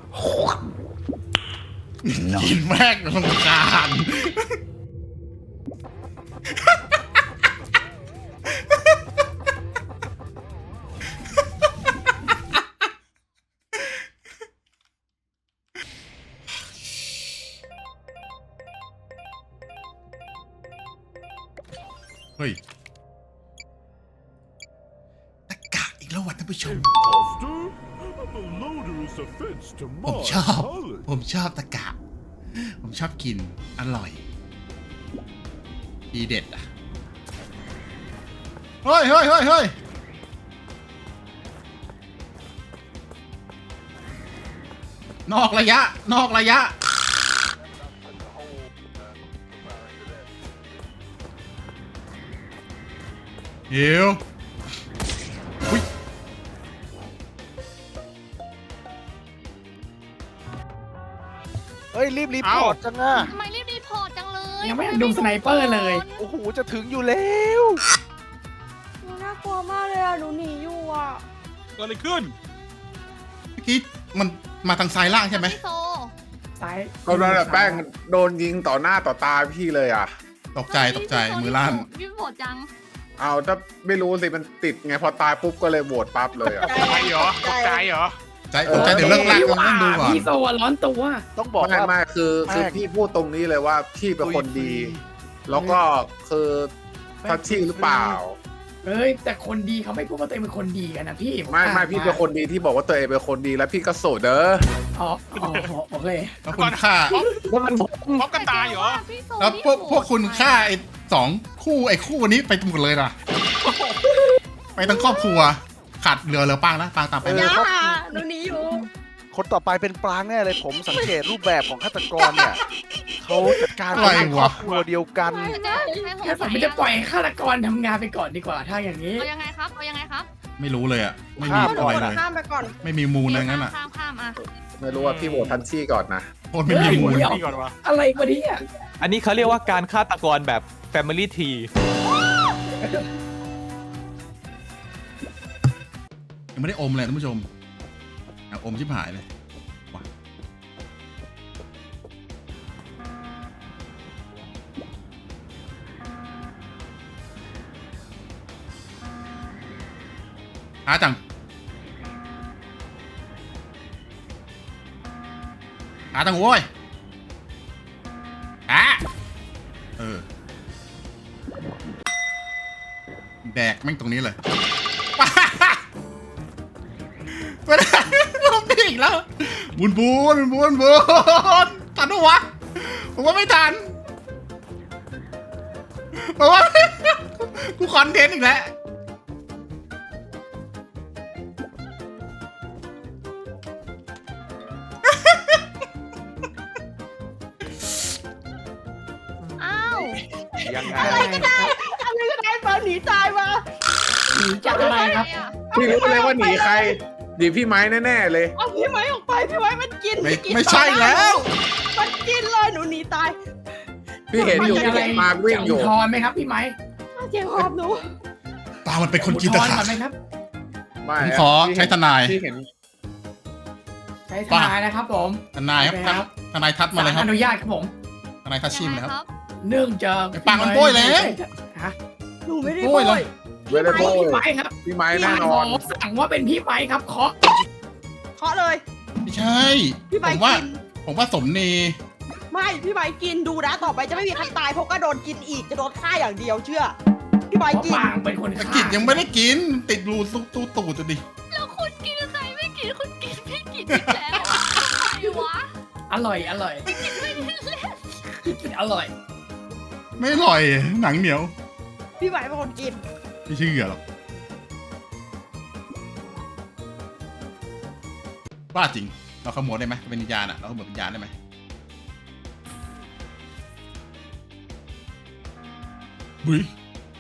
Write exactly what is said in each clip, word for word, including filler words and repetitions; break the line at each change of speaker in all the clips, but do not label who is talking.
กินแม่งรำคาญเฮ้ยตะกะอีกแล้วว่ะท่านผู้ชม ผมชอบ ผมชอบตะกะ ผมชอบกิน อร่อยดีเด็ดอ่ะ เฮ้ยเฮ้ยเฮ้ยเฮ้ยนอกระยะ นอกระยะ เดี๋ยวอุ๊ย
เฮ้ยรีบรีพอร์ตจังอะ
ทำไมรีบรีพอร์ตจังเลย
ยังไม่ทันดูสไนเปอร์เลย
โอ้โหจะถึงอยู่แล้ว
หนูน่ากลัวมากเลยอ่ะ หนูหนีอยู่อ่ะ
เกิดอะไรขึ้น
เมื่อกี้มันมาทางซ้ายล่างใช่ไหม
พี่โซ
ซ้าย
ก็โดนแป้งโดนยิงต่อหน้าต่อตาพี่เลยอ่ะ
ตกใจตกใจมือลั่น
รีบโหวตจัง
เอาถ้าไม่รู้สิมันติดไงพอตายปุ๊บก็เลยโหวตปั๊บเลยอ่ะ
ตกใจเหรอตกใจเหรอ
ใจตกใจเดี๋ยวเลิกลากเราต้องดูก่อน
พี่โซอะร้อนตัว
ต้องบอก
ไม่
ว่า
ไม่คือคือ
แป้ง
พี่พูดตรงนี้เลยว่าพี่เป็นคนดี แล้วก็คือทัชชี่หรือเปล่า
เอ้ยแต่คนดีเขาไม่พูดว่าตัวเองเป็นคนดีกันนะพี่
ไม่ไม่พี่เป็นคนดีที่บอกว่าตัวเองเป็นคนดีแล้วพี่ก็โสดเด้อ
อ๋ออ๋อโอเค
แล้วคุณฆ่า
พร้อมกันตายเหรอ
พี่โซ
แล้วพวก
นี่โห
พวกคุณฆ่าไอ้สองคู่ไอ้คู่นี้ไปหมดเลยนะไปทั้งครอบครัวขาดเหลือเหลือปางนะปางตามไปเลย
ย่าหนูหนีอยู่
คนต่อไปเป็นปลางแน่เลยผมสังเกตรูปแบบของฆาตกรเนี่ยเขาจัดการ
อะไร
เป็นคร
วะ
อบครัวเดียวกัน
จะให้ผม
งั้นผมไม่จะปล่อยให้ฆาตกรทำงานไปก่อนดีกว่าถ้าอย่างนี้
เอายังไงครับเอายังไงครับ
ไม่รู้เลยอ่ะ ไม่มี
ข้าม
อะไรเลย
ข้ามไปก่อน
ไม่มีมูลอะไรงั้นอ่ะ
ข้ามข้ามอ่ะ
ไม่รู้ว่าพี่โหวตทัชชี่ก่อนนะ
โคตรไม่มีมูล
เฮ้ย
นี่ก่อนวะ
อะไรวะเนี่ย
อันนี้เขาเรียกว่าการฆาตกรแบบ Family Tree
ยังไม่ได้อมเลยท่านผู้ชมอยากอมชิบหายเลยว่ะหาจังหาจังโว้ยอ่ะเออแดกแม่งตรงนี้เลย ไม่ได้ผมพี่อีกแล้วบุญบุญบุญบุญทันปะวะผมว่าไม่ทันผมว่า กูคอนเทนต์อีกแล้ว
อ้าว
ยังไง
อะไรก็ได้ อะไรก็ได้มาหนีตายมา
หนีจากอะไรครับ
พี่รู้เลยว่าหนีใครหนีพี่ไม้แน่ๆเลย
เอาพี่ไม้ออกไป พี่ไม้มันกิน
ไม่
กิน
ไม่ใช่แล้ว
มันกินเลยหนูหนีตาย
พี่เห็นอยู่
มี
พี่
อะไร
เห็นมาวิ่งอยู่
จะทอนไหมครับพี่ไม้
เจียงหอบหนู
ตามันเป็นคนกินตะ
อุทธรณ์
ขา
ก่อนไหมครับ
ไม่
ผมขอใช้ทนาย
พี่เห็น
ใช้ทนายนะครับผม
ทนายครับ
โอเคครับ
ทนายทัดมาเลยค
ศ
รับ
อนุญาตครับผม
ทนายทัดชิมเลยครับ
เนื่องจาก
ไอ้ปางมันโบ้ยแล้ว
ฮะ
หนูไม่ได้
โอ้
โบ
ยเลย
ย
ไม่ได้โบ
พี่
ย
ไม้ครับ
พี่ไม้
พี่
แน่
ไม้
นอน
ขอสั่งว่าเป็นพี่ไม้ครับเคาะ
เคาะเลย
ไม่ใช่
พี่
ผ
ไม้
มว่า
กิน
ผมว่าสมนี
ไม่ พี่ไม้กินดูนะ ต่อไปจะไม่มีใครตายเพราะก็โดนกินอีก จะโดนฆ่าอย่างเดียวเชื่อ พี่ไม้
เพราะ
กิน
ปางเป็นคน
ตะ
ฆ่า
กิดยังไม่ได้กิน ติดรูตู้ตู้ตูดจะดิ
แล้วคุณกินใครไม่กินคุณกินไม่กินอีกแล้วอะอะไรวะ
อร่อยอร่อยกินอร่อย
ไม่อร่อยหนังเหนียว
พี่ไม้เป็นคนกิน
ไม่เชื่อหรอกว่าจริง เราขโมยได้ไหมเป็นวิญญาณอะเราขโมยวิญญาณได้ไหมบุ้ย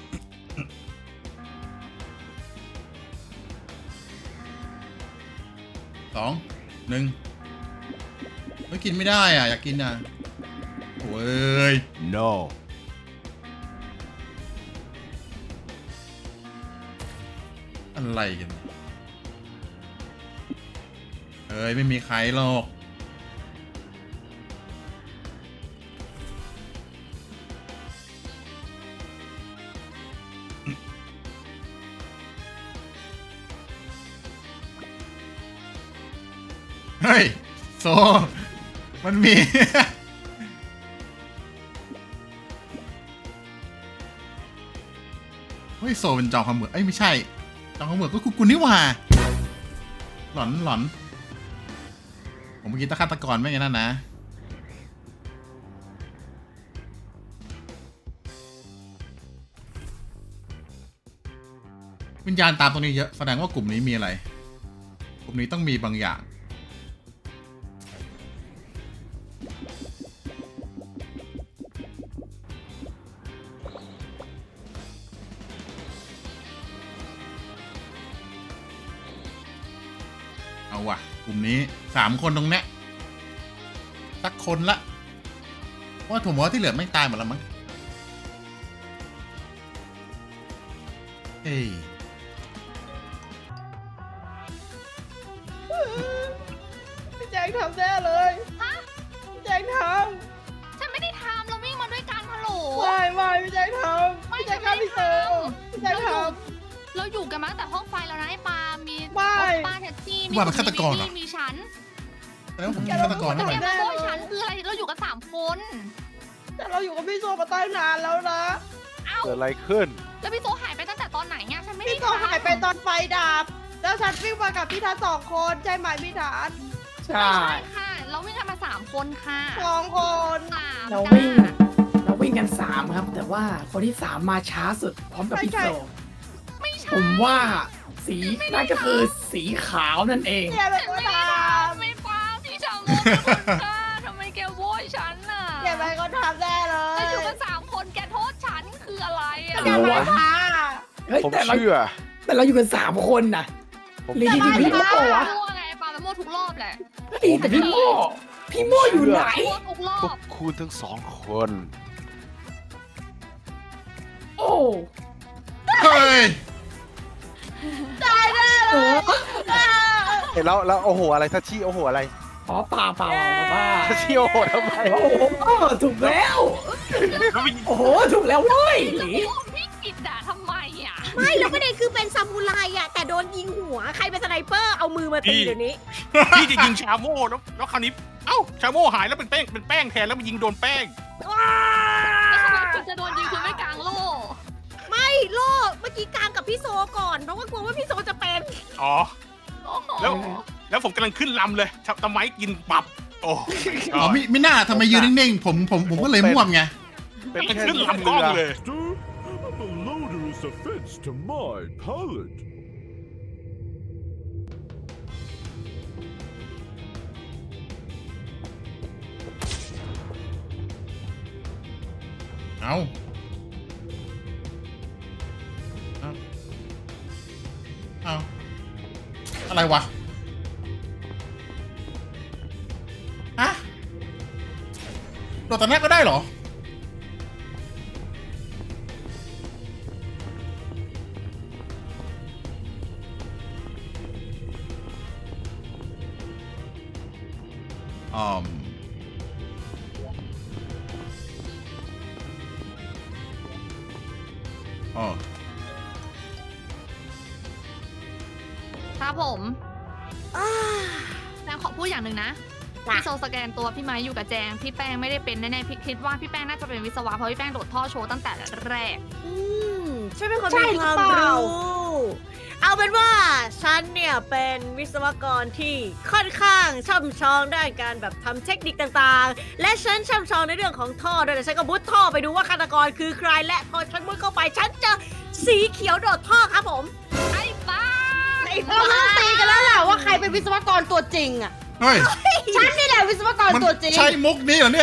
สองหนึ่งไม่กินไม่ได้อ่ะ อยากกินอ่ะโอ้ย
no
อะไรกัน เอ้ย ไม่มีใครหรอกเฮ้ยโซมันมี เฮ้ยโซเป็นจองคำเหมือนเอ้ยไม่ใช่จองคำเหมือนก็คุกกุนนี่หว่าหลอนหลอนผมเมื่อกี้ตะฆาตกรไม่ไงนั่นนะวิญญาณตามตรงนี้เยอะแสดงว่ากลุ่มนี้มีอะไรกลุ่มนี้ต้องมีบางอย่างเอาว่ะกลุ่มนี้สามคนตรงเนี้ยสักคนละเพราะว่าผมว่าที่เหลือไม่ตายหมดแล้วมั้งเอ้ย
พี่แจงทำแน่เลยพี่แจงท
ฉันไม่ได้ทำเราวิ่งมาด้วยกันฮัลโหล
ำไม่ไม่พี่แจงทำพี่แจงฆ่าพี่โซพี่แจงท
เราอยู่กันมาตั้งแต่ห้องไฟแล้วนะไอ้ปาล์มมี
ไม่
ป้าแท็กซี่มี
ว่ามันฆาตกรเหรอ
มีฉัน
แสดงว่าผมเป็นฆาตกร
แต่
นั่น
แก
แหละ
มาโบยฉันคืออะไรเราอยู่กันสามคน
ำแต่เราอยู่กับพี่โซมาตั้งนานแล้วนะ
เอ้า
เกิดอะไรขึ้น
แล้วพี่โซหายไปตั้งแต่ตอนไหนเนี่ยฉันไม่ได้
พี่โซหายไปตอนไฟดับแล้วฉันวิ่งมากับพี่ทัศน์สองคนใช่ไหมพี่ทัศน์
ใช่
ไม่ใช่ค่ะ เราวิ่งกันมาสามคนค่ะ
สองคน
สาม
เรา
จ้า
วิ่ง เราวิ่งกันสามครับ แต่ว่าคนที่สามมาช้าสุดพร้อมกับพี่โซ
ไม่ใช่
ผมว่าสีนั่นก็คือสีขาวนั่นเอง
เนี่ยเป็น
ฉัน
คน
ไม่ได้
ท
ทำไม่ป้าพี่ชาวโมเป็นคนฆ่าทำไมแกโวยฉันน่ะ
ำเนี่ยเป็นคนทำแน่เล
เรา
ย
อยู่กันสามคนแกโทษฉันคืออะไรอ่ะ
เดี๋ยววะ
ค่ะ
เฮ้ย
ผม
แต่เรา
เชื่อ
แต่เราอยู่กันสามคนนะ
ผม
ลี
เชื่
พี่
อ
โม่วะ
มั่วไงปาไปมั่วทุกรอบแหละ
เฮ้ยแต่พี่โม่พี่โม่อยู่ไหน
มั่วทุกรอ
พว
บ
กคุณทั้งสองคน
โอ้
เฮ้ย
โห
เห็นแล้วแล้วโอ้โหอะไรทัชชี่โอ้โหอะไร
อ๋อเปล่าเปล่าว่า
ทัชชี่โอ้โหทำไม
โอ้โหถูกแล้ว
แล้วไป
โอ้โหถูกแล้วเว้ยหลี
พี่กิดด่าทำไมอ่ะ
ไม่แล้วประเด็นคือเป็นซามูไรอะแต่โดนยิงหัว ใครเป็นสไนเปอร์เอามือมาตีเดี๋ยวนี้
พี่จะยิงชาโม่แล้วแล้วคราวนี้เอ้าชาโม่หายแล้วเป็นแป้งเป็นแป้งแทนแล้วมันยิงโดนแป้ง
แล้วทำไมคุณจะโดนยิงคุณไม่กลางโล่
ไม่โล่เมื่อกี้กลางกับพี่โซก่อน เพราะว่ากลัวว่าพี่โซจะเป็น
อ๋อ
โอ้โห
แล้ว แล้วผมกำลังขึ้นลำเลยตะไม้กินปับโอ้
อ๋อไม่ไม่น่าทำไมยืนนิ่งๆ ผมผมผมก็เลยม่วมไง
เป็น
กำลัง
แค่
ขึ้น
เรือ
ลำกล้องเลย
The loader is a fence to my palate.
เอาเอาเอาอะไรวะ ฮะโดดตอนแรกก็ได้เหรอ อืมอ๋อ
ครับผมแจงขอพูดอย่างหนึ่งนะพี่โซสแกนตัวพี่ไม้อยู่กับแจงพี่แป้งไม่ได้เป็นแน่ๆพี่คิดว่าพี่แป้งน่าจะเป็นวิศวะเพราะพี่แป้งโดดท่อโชว์ตั้งแต่แรก
อืมฉันเป็นคน
ใช่
มี
ห
ค
รือ
วาม
เปล่า
รู้เอาเป็นว่าฉันเนี่ยเป็นวิศวกรที่ค่อนข้างช่ำชองด้านการแบบทำเทคนิคต่างๆ และฉันช่ำชองในเรื่องของท่อด้วยแต่ฉันก็มุดท่อไปดูว่าฆาตกรคือใครและพอฉันมุดเข้าไปฉันเจอสีเขียวโดดท่อครับผม
ๆไอ้บ้า
ไอ้
เราต้องตีกันแล้วแหละว่าใครเป็นวิศวกรตัวจริงอ่ะ
เฮ้ย
ฉันนี่แหละวิศวกร
มัน
ตัวจริง
ใช่มุกนี้เหรอเนี่ย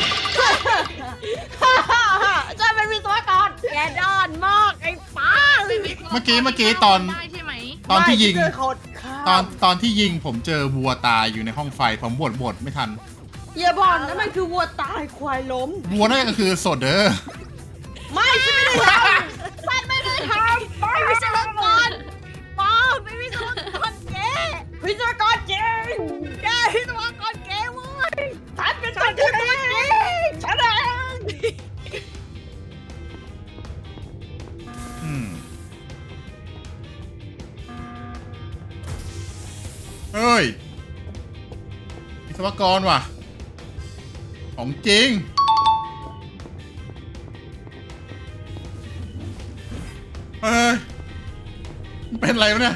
ฉันเป็นวิศวกร
แกดอนมากไอ้ป้า
เมื่อกี้เมื่อกี้ตอน
ได้ใช่ไหม
ตอนที่ยิง
ไม่เจอคนฆ่า
ตอนตอนที่ยิงผมเจอวัวตายอยู่ในห้องไฟ ผมบดบดไม่ทัน
อย่าบอกนะมันคือวัวตายควายล้ม
วัวนั่นก็คือสดเด้อ
ไม่ฉันไม่ได้ทำฉันไม่ได้ท
ไอ้วิศวกรป้าเป็นวิศวกรเก๋
ำวิศวกรจริง
แกวิศวกรเก๋เว้ย
ฉันเป็นคนจริงฉันเอง
อืมเฮ้ยศวกรว่ะ ของจริง เฮ้ยมันเป็นอะไรวะเนี่ย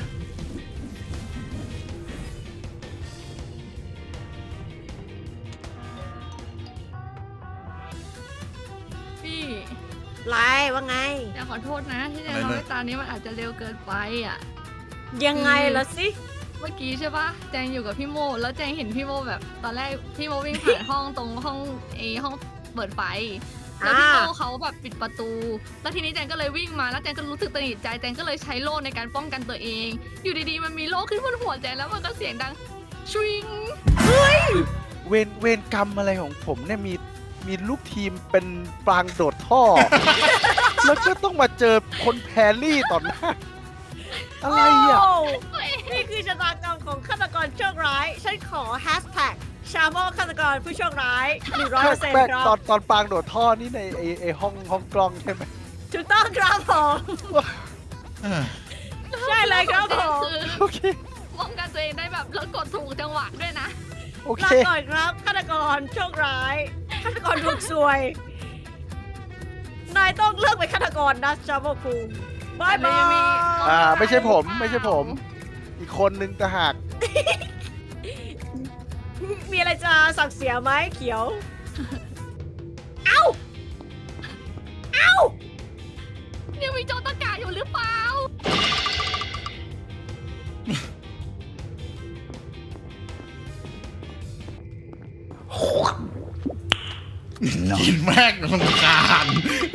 พี่
ไรว่าไง
แจงขอโทษนะ ที่แจง
อะไร
ทำ
เลย
ให้ตานี้มันอาจจะเร็วเกินไปอ่ะ
ยังไงล่ะสิ
เมื่อกี้ใช่ปะแจงอยู่กับพี่โม แล้วแจงเห็นพี่โมแบบ ตอนแรกพี่โมวิ่งผ่าน ห้องตรงห้องเอห้องเปิดไฟ แล้วพี่โม
อ่า
เขาแบบปิดประตู แล้วทีนี้แจงก็เลยวิ่งมา แล้วแจงก็รู้สึกตระหนิดใจ แจงก็เลยใช้โล่ในการป้องกันตัวเอง อยู่ดีๆมันมีโล่ขึ้นบนหัวแจงแล้วมันก็เสียงดังชวิง
เวรเวรกรรมอะไรของผมเนี่ยมีมีลูกทีมเป็นปรางโดดท่อ แล้วก็ต้องมาเจอคนแพรรี่ต่อหน้า อะไรอ่ะ
โนี่คือชะตากรรมของฆาตกรโชคร้าย ฉันขอแฮชแท็กชาโมฆาตกรผู้โชคร้ายหนึ่งร้อยเปอร์เซ็นต์
แม่ง
ครั
ตอบ นตอนปรางโดดท่อนี่ในไอไอห้องห้องกล้องใช่ไหม
ถูกต้องครับผม
เออ
ใช่เลยครับผม
คือ
โอเค
ป้องกันตัวเองได้แบบแล้วกดถูกจังหวะด้วยนะ
โอเค
ลาก่อนครับฆาตกรโชคร้ายฆาตกรดวงซวย นายต้องเลิกเป็นฆาตกรนะชาโมคุงบายบาย
อ่า ไม่ใช่ผม ไม่ใช่ผม อีกคนนึงต่างหาก
มีอะไรจะสั่งเสียไหมเขียว
ยังมีโจรตะกาอยู่หรือเปล่า
กินแม่งลำคาญ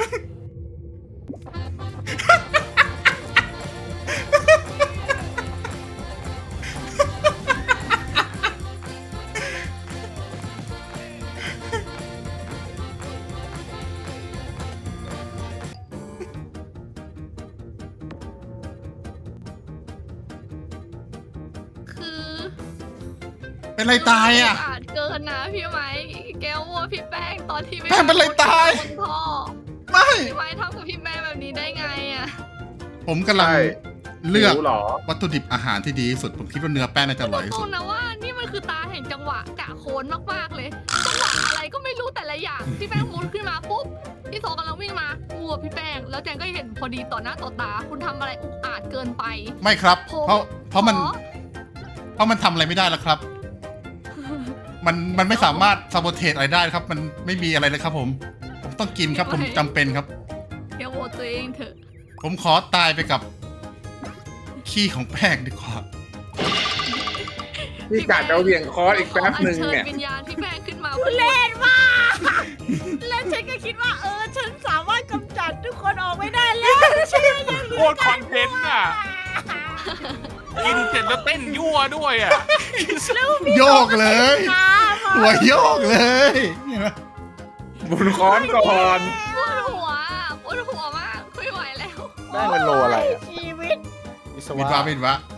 คือ
เป็นไรตายอ่ะ
อาจเกินนะพี่ไหมแกวัวพี่แป้งตอนที่
แป้งเป็นไรตาย
บนท่อ
ไม่
พี่ไหมทำกับพี่แป้งแบบนี้ได้ไงอ่ะ
ผมกำลัง
ใช่
เลือก
หิวเหรอ
วัตถุดิบอาหารที่ดีที่สุด ผมคิดว่าเนื้อแป้งน่าจะอร่อยที่
ตร
สุด
งๆนะว่านี่มันคือตาแห่งจังหวะกะโคนมากๆเลยจังหวะอะไรก็ไม่รู้แต่ละอย่างพี่แป้งมุดขึ้นมาปุ๊บพี่โซกำลังวิ่งมาวัวพี่แป้งแล้วแจงก็เห็นพอดีต่อหน้าต่อตา คุณทำอะไรอุกอาจเกินไป
ไม่ครับ
ผม
เพราะเพราะมัน
ขอ
เพราะมันทำอะไรไม่ได้แล้วครับ มันมันไม่สามารถซาโบเทสอะไรได้ครับ มันไม่มีอะไรเลยครับผม ผมต้องกินครับ ผมจำเป็นครับ
แกวัวตัวเองเถอะ
ผมขอตายไปกับขี้ของแป้งดีกว่า
พี่กาดจะเหวี่ยงคอร์สอีกแป๊บหนึ่ง
ขออัญ
เนี่ย
เชิญวิญญาณพี่แป้งขึ้นมา
เล่นมากแล้วฉันก็คิดว่าเออฉันสามารถกำจัดทุกคนออกไม่ได้แล้วใช่ไหมยังเหลื
โคตรคอนเทนต์อ่ะ กินเสร็จแล้วเต้นยั่วด้วยอ่ะ
โยกเลย หัวโยกเลยเห็นไหม
บุญคอนก่อน
ปวดหัวปวดหัวมากไม่ไหวแล้ว
แม่งเป็นโลอะไรอ่ะ
ชีวิต
วิศ
วิน
วะ
วาวินวะ